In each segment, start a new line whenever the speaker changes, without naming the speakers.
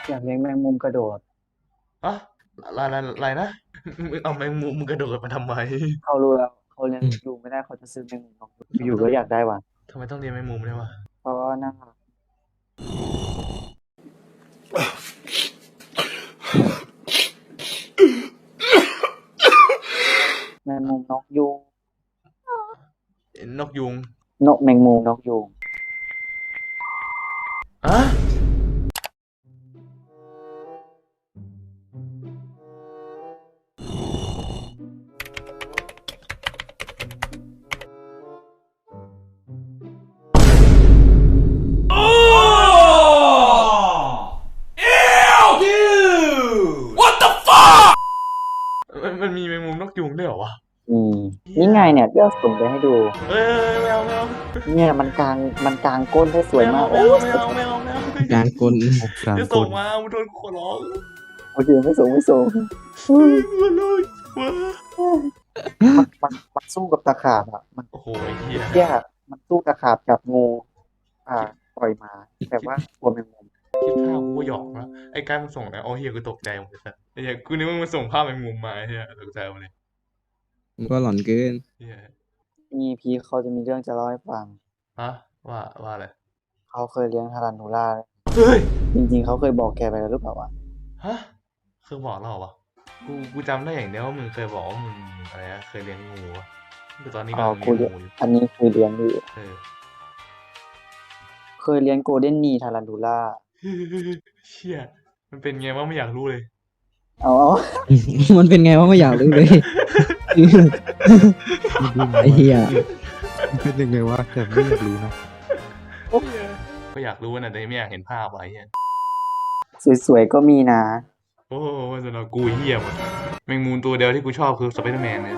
อยากเลี้ยงแมงมุมกระโดด
อะอะไรนะมึงเอาแมงมุมมึงกระโดดมาทำไม
เขารู้แล้วเขาเลี้ยงนกยูงไม่ได้เขาจะซื้อแมงมุมนกยูงอยู่ก็
ทำไมต้อง
อยากได้ว่ะ
ทำไมต้องเลี้ยงแมงมุมด้วยวะ
เพราะว่าน่ารักแมงมุมนกยูง
นกยุง
นกแมงมุมนกยูง
อะมันมีแมงมุมนกยุงด้วยเหรอวะ
อืม
เฮีย
นี่ไงเนี่ยเดี๋ยวส่งไปให้ดู
เอ้ยไม่เอา
เนี่ยมันกลางก้นได้สวยมากโอ้
ไม่เอา
การกล
กลาง
จะ
กล
ส่งมามึงโดนขอร้อง
โอเคไม่ส่ง
เฮ้ยมาเลยมา
มันสู้กับตะขาบอ่ะมัน
โอ้โหไอ้เฮีย
แย่มันสู้ตะขาบกับงูอ่า
คิด
ปล่อยมาแต่ว่ากลัวแมงมุม
คิดภาพกูก็หยอกนะไอ้การมึงส่งแล้วโอ้เฮียกูตกใจหมดเลยสัสไอ้เฮียกูนึกว่ามึงส่งภาพแมงมุมมาไอ้เฮียตกใจหมดเลย
มันก็หลอนเกิน
เฮีย
มีพีเขาจะมีเรื่องจะเล่าให้ฟัง
ฮะว่าอะไร
เขาเคยเลี้ยงทารันทูล่า
เฮ้ย
จริงๆเขาเคยบอกแกไปแล้วหรือเปล่าวะ
ฮะคือบอกเราเหรอวะกูจำได้อย่างเดียวว่ามึงเคยบอกว่ามึงอะไรนะเคยเลี้ยงงูวะคือตอนนี้
อ๋อ
กำลังเลี้
กูเลี้ยง
ยงงูอยู่
อันนี้คือเลี้ยงอยู่
เออ
เคยเลี้ยงโกลเด้นนีทารันทูล่า
เชี่ยมันเป็นไงวะไม่อยากรู้เลย
เอา
มันเป็นไงวะไม่อยากรู้เลย
มันดูไง
ไอ้
วะ
เหี้ย
มันเป็นยังไงวะแต่ไม่อยากรู้นะ
ก็อยากรู้นะแต่ไม่อยากเห็นภาพไว้เฮีย
สวยๆก็มีนะ
โอ้โหสำหรับกูเฮียหมดแมงมุมตัวเดียวที่กูชอบคือสไปเดอร์แมนเนี่ย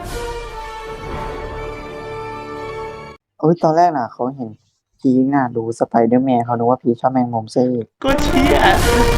เอ้ยตอนแรกน่ะเขาเห็นพีคน่ะดูสไปเดอร์แมนเขานึกว่าพีคชอบแมงมุมซะอีก
ก็เชี่ย